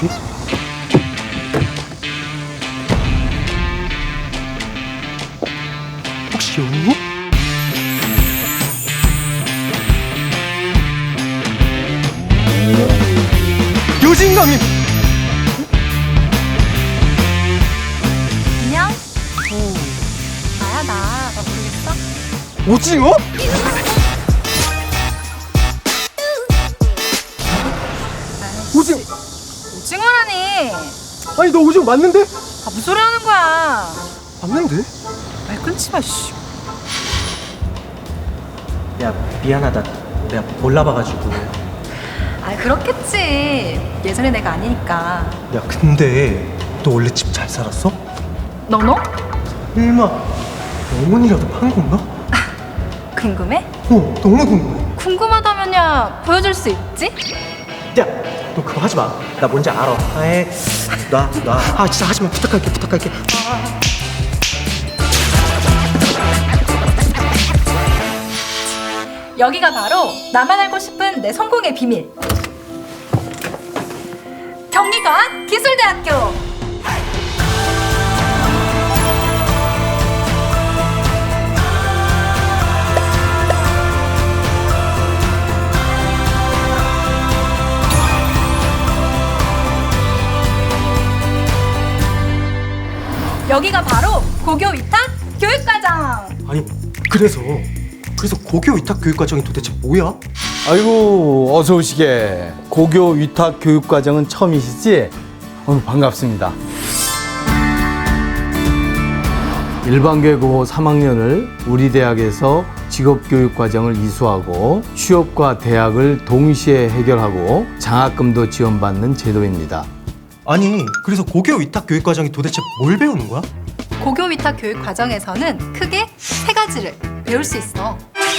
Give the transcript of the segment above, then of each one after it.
뭐지? 혹시 여기? 요진강님! 안녕? 나야 나 모르겠어? 오징어? 오징어! 오징어라니. 아니 너 오징어 맞는데? 아, 무슨 소리 하는 거야? 맞는데? 말 끊지 마, 씨. 야 미안하다 내가 몰라봐가지고. 아, 그렇겠지. 예전에 내가 아니니까. 야 근데 너 원래 집 잘 살았어? 너? 설마 어머니라도 판 건가? 궁금해? 너무 궁금해. 궁금하다면야 보여줄 수 있지? 야 너 그거 하지마. 나 뭔지 알아. 아예 놔. 아 진짜 하지마. 부탁할게. 여기가 바로 나만 알고 싶은 내 성공의 비밀. 경기관 기술대학교. 여기가 바로 고교 위탁 교육과정. 아니 그래서 고교 위탁 교육 과정이 도대체 뭐야? 아이고 어서 오시게. 고교 위탁 교육 과정은 처음이시지? 반갑습니다. 일반계고 3학년을 우리 대학에서 직업교육 과정을 이수하고 취업과 대학을 동시에 해결하고 장학금도 지원받는 제도입니다. 아니 그래서 고교 위탁 교육 과정이 도대체 뭘 배우는 거야? 고교 위탁 교육 과정에서는 크게 세 가지를 배울 수 있어.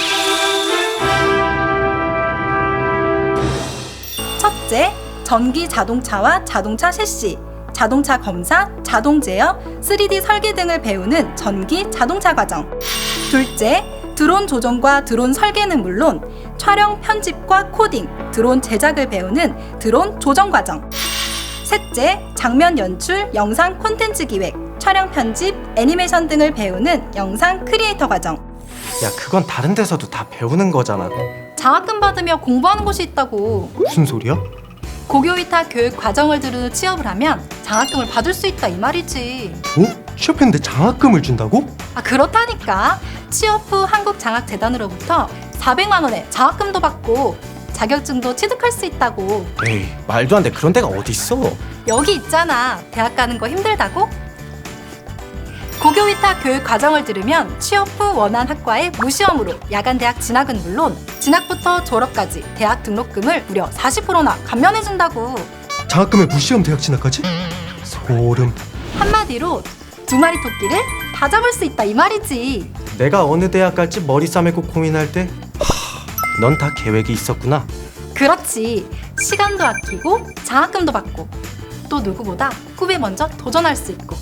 첫째, 전기 자동차와 자동차 셰시, 자동차 검사, 자동 제어, 3D 설계 등을 배우는 전기 자동차 과정. 둘째, 드론 조종과 드론 설계는 물론 촬영 편집과 코딩, 드론 제작을 배우는 드론 조정 과정. 셋째, 장면 연출, 영상 콘텐츠 기획, 촬영 편집, 애니메이션 등을 배우는 영상 크리에이터 과정. 야 그건 다른 데서도 다 배우는 거잖아. 장학금 받으며 공부하는 곳이 있다고. 무슨 소리야? 고교 위탁 교육 과정을 들으 취업을 하면 장학금을 받을 수 있다 이 말이지. 취업했는데 장학금을 준다고? 아, 그렇다니까. 취업 후 한국장학재단으로부터 400만 원의 장학금도 받고 자격증도 취득할 수 있다고. 에이 말도 안 돼. 그런 데가 어딨어. 여기 있잖아. 대학 가는 거 힘들다고? 고교 위탁 교육 과정을 들으면 취업 후 원한 학과에 무시험으로 야간 대학 진학은 물론 진학부터 졸업까지 대학 등록금을 무려 40%나 감면해준다고. 장학금에 무시험 대학 진학까지? 소름. 한마디로 두 마리 토끼를 다 잡을 수 있다 이 말이지. 내가 어느 대학 갈지 머리 싸매고 고민할 때 넌 다 계획이 있었구나. 그렇지. 시간도 아끼고 장학금도 받고 또 누구보다 꿈에 먼저 도전할 수 있고.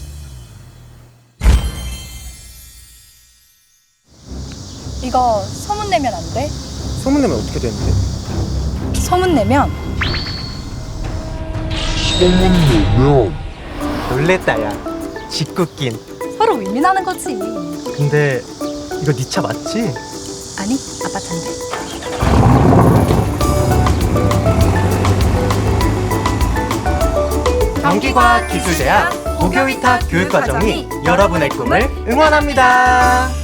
이거 소문 내면 안 돼? 소문내면 어떻게 되는데? 소문 내면 놀랬다 야. 짓궂긴. 서로 윈윈하는 거지. 근데 이거 네 차 맞지? 아니, 아빠 찬데. 경기과학기술대학 고교 위탁 교육 과정이 여러분의 꿈을 응원합니다.